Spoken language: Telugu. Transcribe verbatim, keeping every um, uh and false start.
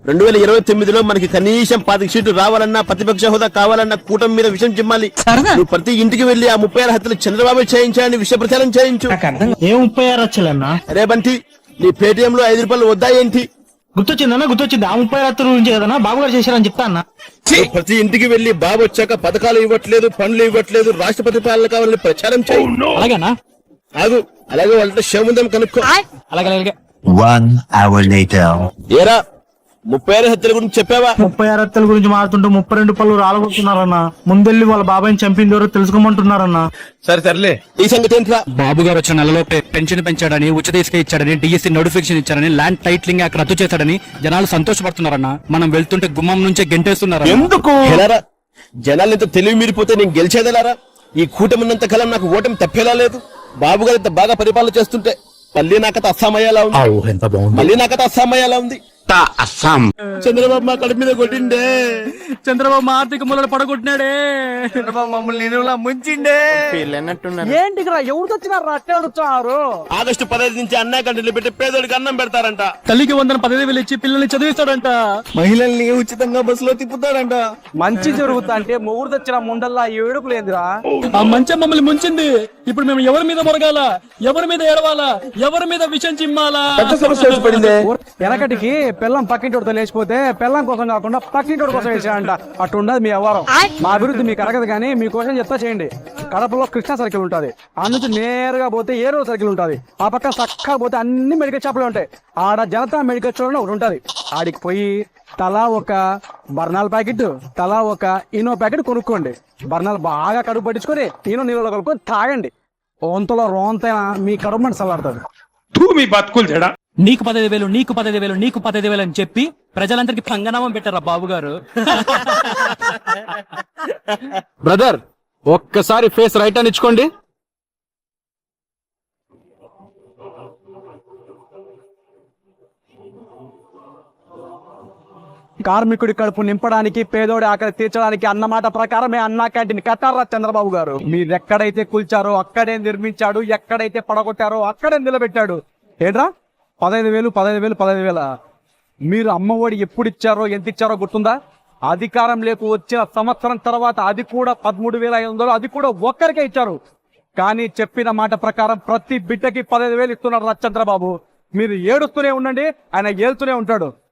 రెండు వేల ఇరవై తొమ్మిదిలో మనకి కనీసం పాతిక సీట్లు రావాలన్నా, ప్రతిపక్ష హోదా కావాలన్నా కూటమి మీద విషయం చిమ్మాలి. నువ్వు ప్రతి ఇంటికి వెళ్లి ఆ ముప్పై ఆరు హత్యలు చంద్రబాబు చేయించాలని విషయ ప్రచారం చేయించు. ఏ ముప్పై ఆరు వచ్చలన్నా? అరే బంటి, నీ పేటిఎం లో ఐదు రూపాయలు వద్దా ఏంటి? గుర్తొచ్చిందన్నా, గుర్తొచ్చింది. ఆ ముప్పై ఆరు గురించి కదన్నా బాబు గారు చేశారని చెప్తా అన్న. ప్రతి ఇంటికి వెళ్లి బాబు వచ్చాక పథకాలు ఇవ్వట్లేదు, పనులు ఇవ్వట్లేదు, రాష్ట్రపతి పాలన కావాలని ప్రచారం చేయి. అలాగేనా? ఆగు, అలాగే వాళ్ళతో శముందం కనుక్కో. అలాగే అలాగే. One hour later. ఏరా, ముప్పై ఆరు హత్యల గురించి చెప్పావా? ముప్పై ఆరు హత్యల గురించి మాట్లాడుతుంటే ముప్పై రెండు పళ్ళు రాలగొడుతున్నారన్నా. ముందెళ్ళి వాళ్ళ బాబాయ్ని చంపింది ఎవరో తెలుసుకోమంటున్నారన్నా. సరే సర్లే, ఈ సంగతి ఏంట్రా? బాబు గారు వచ్చిన నెలలోపే పెన్షన్ పెంచాడని, ఉచిత ఇసుక ఇచ్చాడని, డిఎస్సీ నోటిఫికేషన్ ఇచ్చాడని, ల్యాండ్ టైటిలింగ్ యాక్ట్ రద్దు చేశాడని జనాలు సంతోషపడుతున్నారన్నా. మనం వెళ్తుంటే గుమ్మం నుంచే గెంటేస్తున్నారు. ఎందుకు? జనాలు ఇంత తెలివి మీరిపోతే నేను గెలిచేదెలారా? ఈ కూటమి ఉన్నంత కాలం నాకు ఓటమి తప్పేలా లేదు. బాబు గారు ఇంత బాగా పరిపాలన చేస్తుంటే మళ్ళీ నాకత అస్సామయ్యేలా ఉంది. మళ్ళీ నాకత అస్సామయ్యేలా ఉంది. అస్సాం. చంద్రబాబు మా కడుపు మీద కొట్టిండే. చంద్రబాబు మా ఆర్థిక మూలలు పడగొట్టినాడే. చంద్రబాబు మమ్మల్ని నేను ముంచిండే. ఏంటి ఎవరు వచ్చినారు అట్టే అడుగుతున్నారు? ఆగస్టు పదహైదు నుంచి అన్నా కంటిలో పెట్టి పేదోడికి అన్నం పెడతారంట. తల్లికి వందన పదవి వేలు ఇచ్చి పిల్లల్ని చదివిస్తాడంట. మహిళల్ని ఉచితంగా బస్సులో తిప్పుతాడంట. మంచి జరుగుతా అంటే మొగుడు తెచ్చిన ముండల్లా ఏడుపు లేదురా. ఆ మంచం మమ్మల్ని ముంచింది. ఇప్పుడు మేము ఎవరి మీద మొరగాల, ఎవరి మీద ఏడవాలా, ఎవరి మీద విషం చిమ్మాలా? వెనకటికి పిల్లం పక్కింటోడితో లేచిపోతే పిల్లం కోసం కాకుండా పక్కింటోడి కోసం వేసాడంట. అటు ఉండదు మీ వ్యవహారం. మా అభివృద్ధి మీకు అరగదు కానీ మీకోసం చెప్తా చేయండి. కడపలో కృష్ణా సర్కిల్ ఉంటది, ఆ నుంచి నేరుగా పోతే ఏరో సర్కిల్ ఉంటది, ఆ పక్క చక్కగా పోతే అన్ని మెడికల్ షాపులు ఉంటాయి. ఆడ జనతా మెడికల్ స్టోర్ ఒకటి ఉంటది. ఆడికి పోయి తలా ఒక బర్నాల్ ప్యాకెట్, తలా ఒక ఇనో ప్యాకెట్ కొనుక్కోండి. బర్నాలు బాగా కడుపు పట్టించుకొని ఇనో నీళ్ళలో కలుపుకొని తాగండి. ఓంతలో రోంతైనా మీ కడుపు మంట చల్లారుతుంది. మీ బతుకులు చెడా. నీకు పదహైదు వేలు, నీకు పదహైదు వేలు, నీకు పదహైదు వేలు అని చెప్పి ప్రజలందరికీ పంగనామం పెట్టారా బాబు గారు? బ్రదర్, ఒక్కసారి ఫేస్ రైట్ అని ఇచ్చుకోండి. కార్మికుడి కడుపు నింపడానికి, పేదోడి ఆకలి తీర్చడానికి అన్నమాట ప్రకారమే అన్నా క్యాంటీన్ కట్టారా చంద్రబాబు గారు. మీరు ఎక్కడైతే కూల్చారో అక్కడే నిర్మించాడు, ఎక్కడైతే పడగొట్టారో అక్కడే నిలబెట్టాడు. ఏంట్రా పదహైదు వేలు పదహైదు వేలు పదహైదు వేల మీరు అమ్మఒడి ఎప్పుడు ఇచ్చారో ఎంత ఇచ్చారో గుర్తుందా? అధికారం లేకు వచ్చిన సంవత్సరం తర్వాత అది కూడా పదమూడు వేల ఐదు వందలు అది కూడా ఒక్కరికే ఇచ్చారు. కానీ చెప్పిన మాట ప్రకారం ప్రతి బిడ్డకి పదహైదు వేలు ఇస్తున్నారు చంద్రబాబు. మీరు ఏడుస్తూనే ఉండండి, ఆయన ఏలుతూనే ఉంటాడు.